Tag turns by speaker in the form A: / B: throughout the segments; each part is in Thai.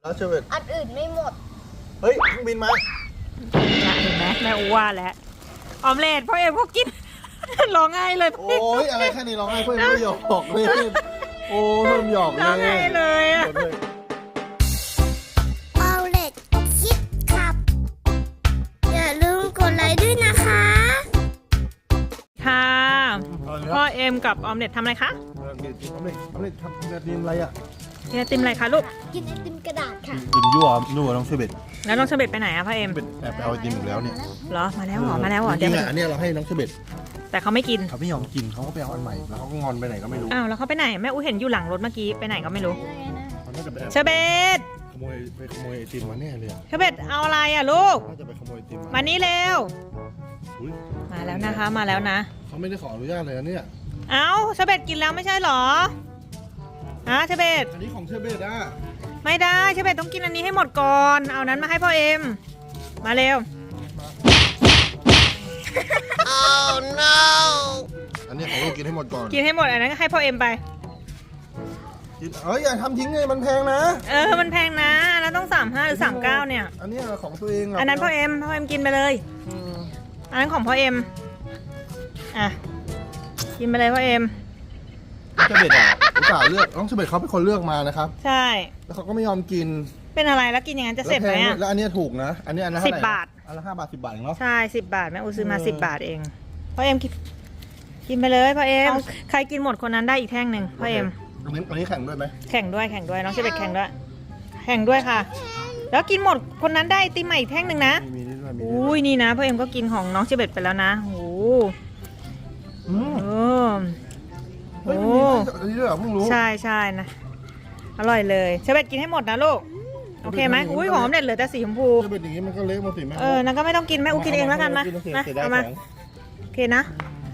A: แล้วเชอร์เบต
B: อันอื่นไม่หมด
A: เฮ้ยเครื่องบินมา
C: เห็นไหมแม่อูว่าแล้วออมเล็ตพ่อเอ็มก็กิน ร้องไห้เลย
A: โอ้ยอะไรแค่นี้ร้องไห้เพื่อนไม่หยอกเลยโอ้เพื่อนหยอกเลย
C: ร้องไห้เลยอะ
B: เอาเล็กคิดครับอย่าลืมกดไลค์ด้วยนะคะ
C: ค่ะพ่อเอ็มกับออมเล็ตทำอะไรคะ
A: ออมเล็ตทำแบบนี้อะไรอ่ะ
C: กินไอติมอะไรคะลูก
B: กินไอติมกระดาษค่ะ
A: กินยั่วน้องเชอร์เบต
C: แล้วน้องเชอร์เบตไปไหนอะพ่อเอ็ม
A: แอบไปเอาไอติมอีกแล้วเนี่ย
C: เหรอมาแล้วเหรอมาแล้วเหรอ
A: จริงๆอันนี้เราให้น้องเชอร์เบต
C: แต่เขาไม่กิน
A: เขาไม่ยอมกินเขาก็ไปเอาอันใหม่แล้วเขาก็งอนไปไหนก็ไม่รู้
C: อ้าวแล้วเขาไปไหนแม่อูเห็นอยู่หลังรถเมื่อกี้ไปไหนก็ไม่รู้เชอร์เบต
A: ขโมยไอติมมาแน่เลย
C: เชอร์เบตเอาอะไรอะลูก
A: น่าจะไปขโมยไอติม
C: มานี่เร็วมาแล้วนะคะมาแล้วนะ
A: เขาไม่ได้ขออนุญาตเลยนะเนี่ย
C: เอ้าเชอร์เบตกินแล้วไม่ใช่หรอเชอร์เบต
A: อันนี้ของเชอร์เบตอะ
C: ไม่ได้เชอร์เบตต้องกินอันนี้ให้หมดก่อนเอานั้นมาให้พ่อเอ็มมาเร็ว
B: Oh no
A: อันนี้ของลูกกินให้หมดก่อน
C: กินให้หมดอันนั้นก็ให้พ่อเอ็มไป
A: กินอย่าทำทิ้งเลยมันแพงนะ
C: มันแพงนะแล้วต้อง35หรือ39เนี่ย
A: อันนี้ของตัวเอง
C: อันนั้นพ่อเอ็มกินไปเลยอันนั้นของพ่อเอ็มอ่ะกินไปเลยพ่อเอ็ม
A: เชอร์เบตอุตส่าห์เลือกน้องเชอร์เบตเขาเป็นคนเลือกมานะครับ
C: ใช่
A: แล้วเขาก็ไม่ยอมกิน
C: เป็นอะไรแล้วกินอย่างนั้นจะเสร็จไหม
A: แล้วอันนี้ถูกนะอันนี้อันละ
C: 10 บาท
A: อันละ5 บาท10 บาทเองเนาะ
C: ใช่10 บาทแม่อูซื้อมา10 บาทเองพ่อเอ็มกินไปเลยพ่อเอ็มใครกินหมดคนนั้นได้อีกแท่งหนึ่งพ่อเอ็ม
A: อันนี้แข่งด้วยไหม
C: แข่งด้วยน้องเชอร์เบตแข่งด้วยค่ะแล้วกินหมดคนนั้นได้ติมใหม่อีกแท่งหนึ่งนะอุ้ยนี่นะพ่อเอ็มก็กินของน้องเชอร์เบตไปแล้วนะโอ้
A: โอ้อันนี้ด้วยเหรอเพิ่งรู้
C: ใช่นะอร่อยเลยเชอร์เบตกินให้หมดนะลูกโอเคไหมอุ้ยหอมเด็ดเหลือแต่สีชมพู
A: เชอร์เบตอย่างนี้มันก็เละหมดสิแม่
C: นั่นก็ไม่ต้องกินแม่อูกินเองแล้วกันนะเอามาโอเคนะ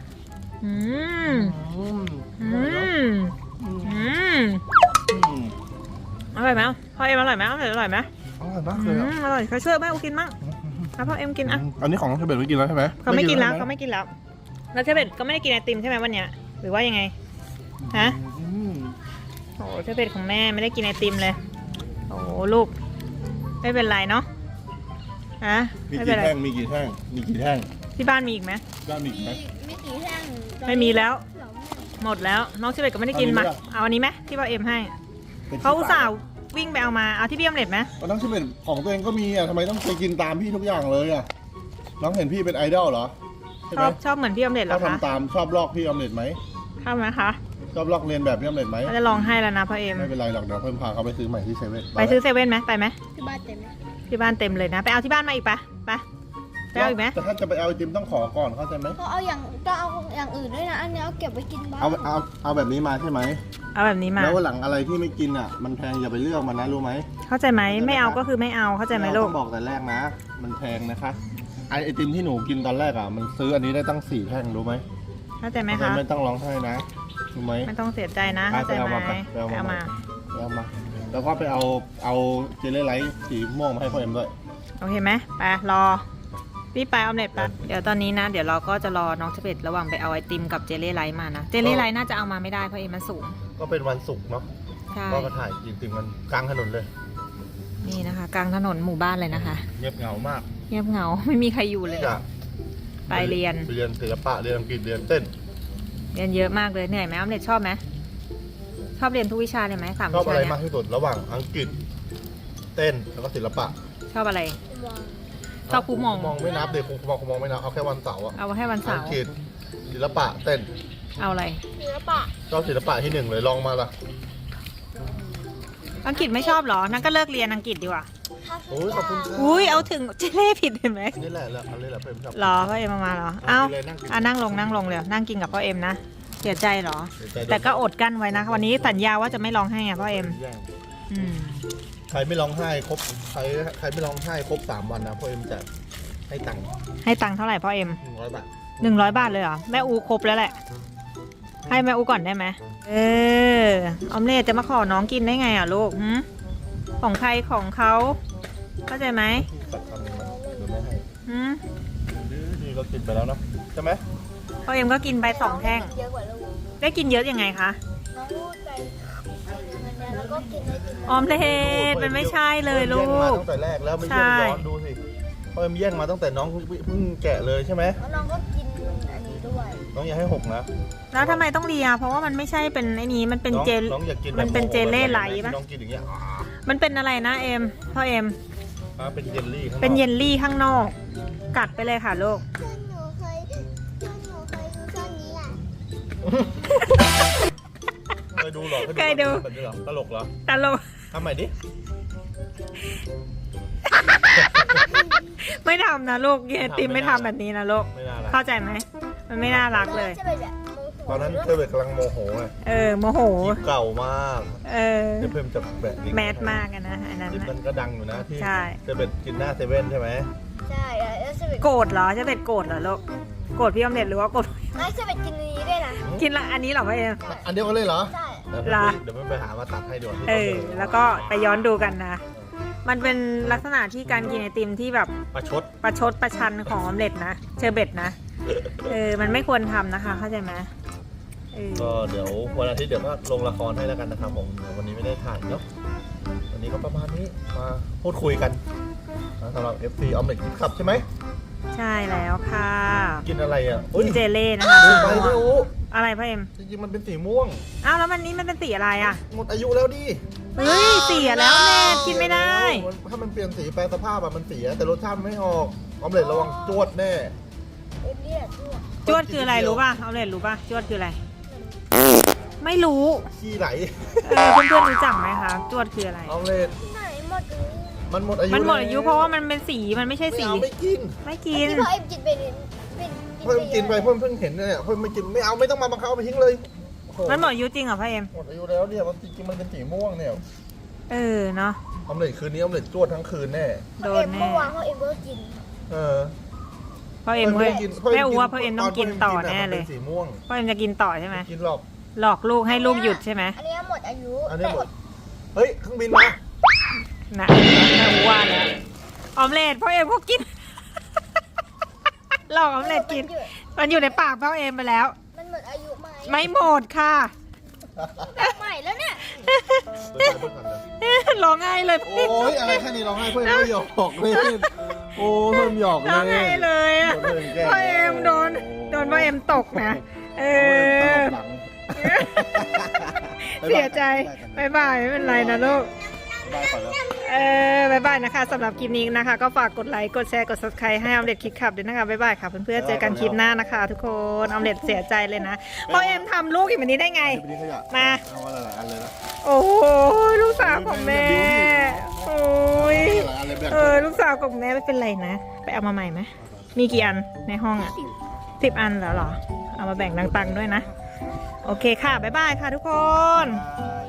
C: อร่อยไหมพ่อเอ็มอร่อยไหมอร่อยไหม
A: อร่อยมากเลย
C: อร่อยใครช่วยแม่อูกินมั่งแล้วพ่อเอ็มกินอ่ะ
A: อันนี้ของเชอร์เบตไม่กินแล้วใช่ไหม
C: เขาไม่กินแล้วแล้วเชอร์เบตก็ไม่ได้กินไอติมใช่ไหมวันเนี้ยหรือว่ายังไงฮะโอ้เชอร์เบตของแม่ไม่ได้กินไอติมเลยโอ้ลูกไม่เป็นไรเนาะ
A: มีกี่แท่ง
C: ที่บ้านมีอีกไหม
A: บ้านมีอีกไหม
B: ไม่กี่แท่ง
C: ไม่มีแล้วหมดแล้วน้องเชอร์เบตก็ไม่ได้กินมาเอาอันนี้ไหมที่พ่อเอ็มให้เขาอุตส่าห์วิ่งไปเอามาเอาที่พี่ออมเล็ตไหม
A: น้องเชอร์เบตของตัวเองก็มีทำไมต้องไปกินตามพี่ทุกอย่างเลยน้องเห็นพี่เป็นไอดอลเหรอ
C: ชอบเหมือนพี่ออมเล็ตเหรอคะ
A: ทำตามชอบลอกพี่ออมเล็ตไหม
C: ชอบไหมคะ
A: ชอบลอกเรียนแบบพี่ออมเล็ตไหม
C: ก็จะลองให้แล้วนะพ่อเอ็ม
A: ไม่เป็นไรหรอกเดี๋ยวเพิ่มพาเขาไปซื้อใหม่ที่เซเว่น
C: ไปซื้อเซเว่นไหมไปไหม
B: ที่บ้านเต็ม
C: เลยนะไปเอาที่บ้านมาอีกไปเอาอีกไหม
A: แต่ถ้าจะไปเอาไอติมต้องขอก่อนเข้าใจไหม
B: ก็เอาอย่างอื่นด้วยนะอันนี้เอาเก็บไว้กินบ้าง
A: เอาแบบนี้มาใช่ไหม
C: เอาแบบนี้มา
A: แล้ววันหลังอะไรที่ไม่กินมันแพงอย่าไปเลือกมันนะรู้ไหม
C: เข้าใจไหมไม่เอาก็คือไม่เอาเข้าใจไหมลูก
A: ต้องบอกแต่แรกนะมันแพงนะคะไอติมที่หนูกินตอนแรกมันซื้ออันนี้ได้ตั้ง4 แท่งรู้ไหม
C: เข้าใจไหมคะ
A: ไม่ต้องร้องไห้นะรู้ไหม
C: ไม่ต้องเสียใจนะเข้าใจไหมเอามา
A: แล้วก็ไปเอาเจลลี่ไลท์สีม่วงมาให้พ่อเอ็มด้วย
C: โอเคไหมไปรอพี่ไปออมเล็ตไปเดี๋ยวตอนนี้นะเดี๋ยวเราก็จะรอน้องเชอร์เบตระหว่างไปเอาไอติมกับเจลลี่ไลท์มานะเจลลี่ไลท์น่าจะเอามาไม่ได้เพราะเอ็มมันสูง
A: ก็เป็นวันศุกร์เนาะก็มาถ่ายไอติมกันกลางถนนเลย
C: นี่นะคะกลางถนนหมู่บ้านเลยนะคะ
A: เงียบเหงามาก
C: เงียบเหงาไม่มีใครอยู่เลยไปเรียน
A: ศิลปะเรียนอังกฤษเรียนเต้น
C: เรียนเยอะมากเลยเหนื่อยไหมออมเล็ตชอบไหมชอบเรียนทุกวิชาเลยไหม3 วิชา
A: ชอบอะไรมากที่สุดระหว่างอังกฤษเต้นแล้วก็ศิลปะ
C: ชอบอะไรชอบครูมอง
A: ไม่นับเด็กครูมองไม่นับเอาแค่วันเสาร์
C: เอาแค่วันเสาร์
A: อังกฤษศิลปะเต้น
C: เอาอะไร
B: ศิลปะ
A: ชอบศิลปะที่1เลยลองมาละ
C: อังกฤษไม่ชอบหรอนั่นก็เลิกเรียนอังกฤษดีกว่า
A: โอ้ยขอบคุณ
C: เอาถึงเจเล่ผิดเห็นไหม
A: นี่แหละเอาเลยแหละเพิ่มชอบ
C: หรอพ่อเอ็มมาหรอนั่งลงเลยนั่งกินกับพ่อเอ็มนะเสียใจหรอแต่ก็อดกั้นไว้นะวันนี้สัญญาว่าจะไม่ร้องไห้พ่อเอ็ม
A: ใครไม่ร้องไห้ครบใครไม่ร้องไห้ครบ3 วันนะพ่อเอ็มจะให้ตังค์
C: เท่าไหร่พ่อเอ็ม
A: 100 บาท
C: 100 บาทเลยเหรอแม่อูครบแล้วแหละให้แม่อูก่อนได้ไหมออมเล็ตจะมาขอน้องกินได้ไงลูกของใครของเขาเข้าใจไหม
A: นี่ก็กินไปแล้วเนาะใช่ไหม
C: พ่อเอ็มก็กินไป2 แท่งได้กินเยอะยังไงคะ
B: น้องพูดไปแล้วก็กินไอติม
C: ออมเล็ตมันไม่ใช่เลยลู
A: แย่งมาก ตั้งแต่แรกแล้วไม่เชื่อ
C: ใช่
A: ย้อนดูสิพ่อเอ็มแย่งมาตั้งแต่น้องเพิ่งแกะเลยใช่ไหม
B: แล้วน้องก็กินอันนี้ด้วย
A: น้องอย่าให้หกนะ
C: แล้วทำไมต้องเลียเพราะว่ามันไม่ใช่เป็นไอ้นี้มันเป็นเจล
A: น้องอยากกิน
C: มันเป็นเจลเล่ไหลปะ
A: น้องกินอย่างเงี้ย
C: มันเป็นอะไรนะเอ็มพ่อเอ็ม
A: เป็นเยลลี่ข้างนอก
C: เป็นเยลลี่ข้างนอก กัดไปเลยค่ะลูก
B: เพื่อนหนูเคยดูช่วงนี้อ่ะ
A: เคยดูเหรอ
C: เคยดู
A: แบบนี้เหรอตลกเหรอ
C: ตลก
A: ทำใหม่ดิ
C: ไม่ทำนะลูกเยติมไม่ทำแบบนี้นะลูก
A: ไม่น่ารัก
C: เข้าใจไหมมันไม่น่ารักเลย
B: จะเป็นแบบโมโห
A: ตอนนั้นเธอเบิร์กกำลังโมโหไง
C: โมโห
A: คลิปเก่ามาก
C: เออ
A: เดี๋ยวเพิ่มจะแบบลิงก์
C: แมสมากอะนะอันนั้น
A: คลิป
C: นะ
A: นั้นก็ดังอยู่นะที่
C: ใช่
A: เธอเบิร์กกินหน้าเซเว่นใช่ไหม
B: ใช่แล้วจะเป็น
C: โกรธเหรอจะเป็นโกรธเหรอลูกโกรธพี่ออมเล็ตหรือว่าโกรธ
B: ไม่จะเป็นกินนี้ด้วยนะ
C: กินละอันนี้เหรอพ่อเอ็ม
A: อันเดียวกันเลยเหรอ
B: ใช่
A: เดี๋ยวไม่ไปหามาตัดให้ด่วนที่
C: แล้วก็ไปย้อนดูกันนะ มันเป็นลักษณะที่การกินไอติมที่แบบ
A: ประชด
C: ประชดประชันของออมเล็ตนะเชอร์เบตนะมันไม่ควรทำนะคะเข้าใจไหม
A: ก็เดี๋ยววันอาทิตย์เดี๋ยวก็ลงละครให้แล้วกันนะครับผมวันนี้ไม่ได้ถ่ายเนาะวันนี้ก็ประมาณนี้มาพูดคุยกันสำหรับ FC ออมเล็ตกินขับใช่ไหม
C: ใช่แล้วค่ะ
A: กินอะไรอ่ะ
C: กินเจเล่นะคะ
A: ไปไม่รู้
C: อะไรพ่อเอ็ม
A: จริงๆมันเป็นสีม่วง
C: อ้าวแล้วมันนี้มันเป็นสีอะไรอ่ะ
A: หมดอายุแล้วดิ
C: เฮ้ยเสียแล้วแม่กินไม่ได้
A: ถ้ามันเปลี่ยนสีแปลสภาพอะมันเสียแต่รสชาติมันไม่ออกออมเล็ตระวังจวดแน่
B: เอ็มเนี่ยตัว
C: จวดคืออะไรรู้ป่ะออมเล็ตรู้ป่ะจวดคืออะไร ไม่รู้
A: ขี้ไหล
C: เพื่อนๆรู้จักไหมคะจวดคืออะไร
A: ออมเล็ต
B: ไหนหมดเลย
A: มันหมดอายุ
C: มันหมดอายุเพราะว่ามันเป็นสีมันไม่ใช่
A: ไม่
C: สี
A: เอาไม่กิน
C: ไม่กิน
B: ที่พ่อเอ็มกินไปเนี่ยเป็น
A: เพิ่มกินไปเพิ่งเห็นเนี่ยเพิ่มไม่กินไม่เอาไม่ต้องมาบังคับเอาไปทิ้งเลยโอ้โ
C: มันหมดอายุจริงเหรอพ่อเอ็ม
A: หมดอายุแล้วเนี่ยมันจริงๆมันเป็นสีม่วงเนี่ย
C: เนาะ
A: ออมเล็ตคืนนี้ออมเล็ตจวดทั้งคืนแน่
C: โด
B: พ่อน เอ็ม
C: แน่
B: เมื่อวานพ่อเอ็มก็กิน
A: เออ
C: พ่อเอ็มเว้ยแม่อูว่าพ่อเอ็มต้องกินต่อแน่เลย
A: มันป็สีม่วง
C: พ่อเอ็มจะกินต่อใช่ไหม
A: กินหรอก
C: หลอกลูกให้ลูกหยุดใช่ไหม
B: อันนี้หมดอายุ
A: อันนี้หมดเฮ้ยเครื่องบินมา
C: นะแม่อูว่าแล้วออมเล็ตพ่อเอ็มก็กิน หลอกออมเล็ตกิน มันอยู่ในปากพ่อเอ็มไปแล้ว
B: มันหมดอายุไหม
C: ไม่หมดค่ะ
B: ใหม่แล้วเนี่ย
C: ร้องไห้เลย
A: โอ้ยอะไรแค่นี้ร้องไห้เพื่อนไม่หยอกเลยโอ้เพิ่มหยอกเลย
C: ร้องไห้เลยอะ
A: เพิ่มแกล้ง
C: พ่อเอ็มโดนพ่อเอ็มตกนะ
A: ตลบหลัง
C: เสียใจบายบายไม่เป็นไรนะลูก
A: ได้ก่อนแล้ว
C: บายบายนะคะสำหรับคลิปนี้นะคะ ก็ฝากกดไลค์กดแชร์กด subscribe ให้ออมเล็ตคิดขับด้วยนะคะบายบายค่ะเพื่อนๆเจอกันคลิปหน้านะคะ ทุกคนออมเล็ตเสียใจเลยนะพ่อเอ็มทำลูกอย่างนี้ได้ไง
A: คลิปนี้ขยะ
C: มา
A: เอาอะไรหลายอันเลยนะ
C: โอ้โหลูกสาวของแม่โอ้ย
A: หลายอันเลยแบ่ง
C: ลูกสาวของแม่ไม่เป็นไรนะไปเอามาใหม่ไหมมีกี่อันในห้องอ่ะ10 อันแล้วเหรอเอามาแบ่งตังค์ด้วยนะโอเคค่ะบายบายค่ะทุกคน
A: บ